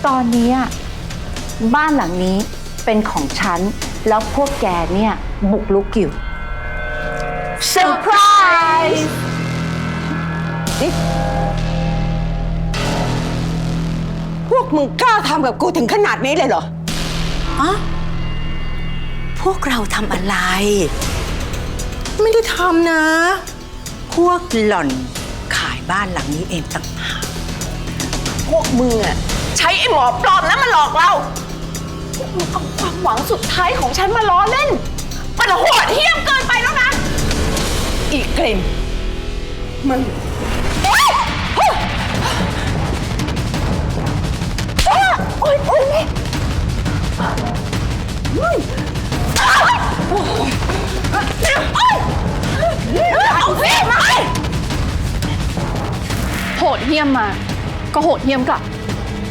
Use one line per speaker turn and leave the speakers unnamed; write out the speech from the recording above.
ตอนนี้บ้านหลังนี้เป็นของฉันแล้วพวกแกเนี่ยบุกรุกอยู่เซอร์ไพรส์
พวกมึงกล้าทำกับกูถึงขนาดนี้เลยเหรอ
พวกเราทำอะไร
ไม่ได้ทำนะ
พวกหล่อนขายบ้านหลังนี้เองต่างหาก
พวกมึงอะใช้ไอ้หมอปลอมนั้นมาหลอกเราพวกมึงเอาความหวังสุดท้ายของฉันมาล้อเล่น มันโหดเหี้ยมเกินไปแล้วนะ อีกกลิ่นมึงโอ๊ยโอ๊ยโอ๊ยเอาสิมา
โหดเหี้ยมมาก็โหดเหี้ยมกลับ